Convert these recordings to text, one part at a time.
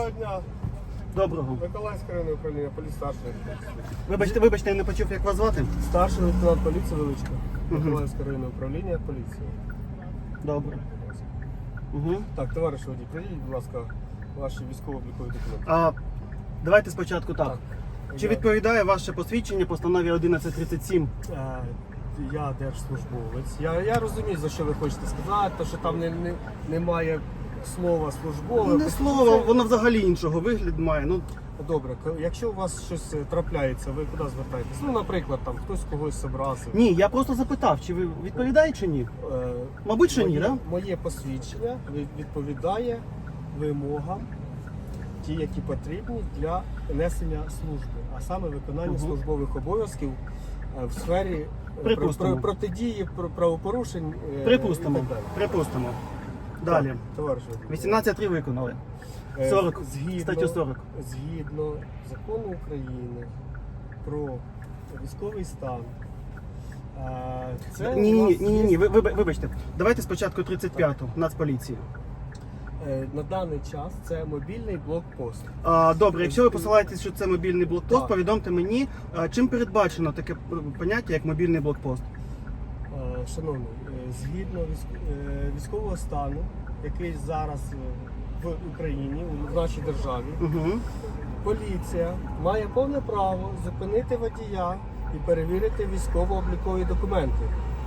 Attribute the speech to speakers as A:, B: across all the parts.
A: Доброго дня.
B: Доброго.
A: Миколаївське районне управління поліції старший.
B: Вибачте, я не почув, як вас звати.
A: Старший лейтенант поліції Величко. Миколаївське районне управління поліції.
B: Добре. Угу.
A: Так, товариш водій, прийдіть, будь ласка, ваші військово-облікові документи.
B: Давайте спочатку так. Чи відповідає ваше посвідчення постанові 1137?
A: Я держслужбовець. Я розумію, за що ви хочете сказати, що там немає слова службове.
B: Не слово, воно взагалі іншого вигляду має. Ну,
A: добре, якщо у вас щось трапляється, ви куди звертаєтесь? Ну, наприклад, там хтось когось образив.
B: ні, я просто запитав, чи ви відповідаєте чи ні? Мабуть, що ні, так?
A: Моє посвідчення відповідає вимогам, ті, які потрібні для несення служби, а саме виконання службових обов'язків в сфері протидії правопорушень.
B: Припустимо. Далі.
A: Товариш,
B: 18.3 виконали. 40, статтю 40.
A: Згідно закону України про військовий стан.
B: Ні, вибачте. Давайте спочатку 35-ту, Нацполіції.
A: На даний час це мобільний блокпост.
B: Добре, якщо ви посилаєтесь, що це мобільний блокпост,
A: так,
B: повідомте мені, чим передбачено таке поняття, як мобільний блокпост.
A: Шановний, згідно військового стану, який зараз в Україні, в нашій державі, поліція має повне право зупинити водія і перевірити військово-облікові документи.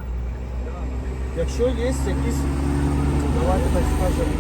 A: Якщо є якісь, давайте так скажемо,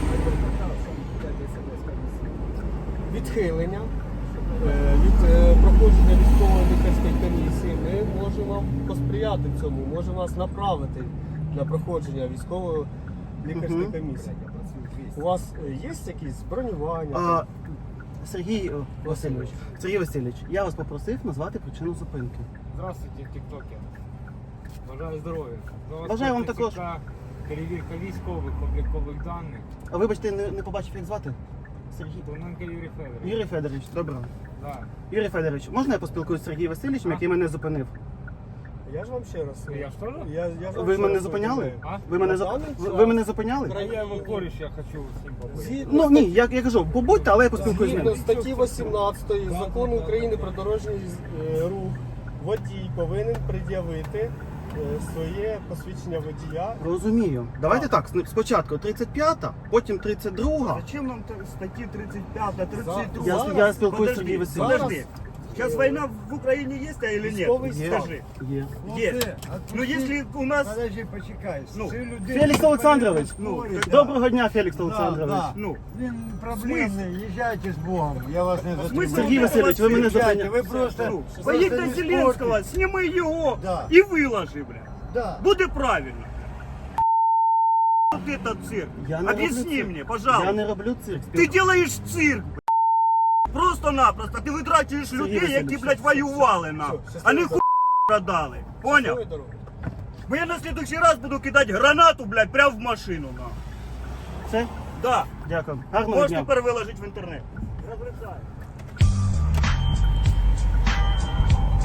A: відхилення від проходження військово-лікарської комісії, ми можемо вам посприяти цьому, можемо вас направити на проходження військово-лікарської комісії. У вас є якісь бронювання?
B: Сергій Васильович, я вас попросив назвати причину зупинки.
C: Здравствуйте, тіктокер. Бажаю здоров'я.
B: Бажаю вам також.
C: Перевірка військових облікових даних.
B: А вибачте, не побачив, як звати? Сергій.
C: Тоненко Юрій Федорович.
B: Юрій Федорович, добре.
C: Да.
B: Юрій Федорович, можна я поспілкуюсь з Сергієм Васильовичем, який мене зупинив?
A: Я ж вам ще раз.
C: Я что ли?
B: Ви мене зупиняли? Ви мене зупиняли?
C: Я его кореш, я хочу с ним побыть.
B: Ну ні, я кажу, побудьте, але я поспілкуюсь з
A: Згідно
B: ним.
A: статті 18 Закону України про дорожній рух, водій повинен пред'явити своє посвідчення водія.
B: Розумію. Давайте так, спочатку 35-та, потім 32-га.
D: Зачем нам статьи 35, 32?
B: Я спілкуюсь з Сергієм Васильовичем.
D: Подожди. Сейчас война в Украине есть, или нет?
A: Військовий стан.
D: Скажи.
B: Є.
D: Есть. Ну если у нас...
E: Подожди, почекай.
D: Ну,
B: Фелікс Олександрович,
D: Ну,
B: доброго дня, Фелікс Олександрович.
E: Да.
D: Ну,
E: Він проблемний, їжджайте з Богом, я вас не затримую.
B: Сергій Васильович, ви мене
E: Їжджайте,
B: зупиняли.
E: ви просто...
D: поїдь
E: просто
D: на
E: не
D: Зеленского,
E: спорте.
D: сніми його
E: Да.
D: і виложи, бля.
E: Да.
D: Буде правильно. Вот этот цирк.
B: Я не роблю
D: Объясни
B: цирк.
D: мне,
B: Я
D: пожалуйста.
B: не роблю цирк.
D: Ты делаешь цирк, бля. Просто-напросто. Ти витрачуєш людей, які,
B: Васильович,
D: блядь, воювали нам.
A: Все,
D: А не
A: щасливо.
D: хуй продали. Понял?
A: Щасливої дороги.
D: Бо я на следующий раз буду кидати гранату, блядь, прямо в машину. На.
B: Все?
D: Да.
B: Дякую. Гарного
D: Можеш
B: дня.
D: тепер виложити в інтернет. Розрицаю.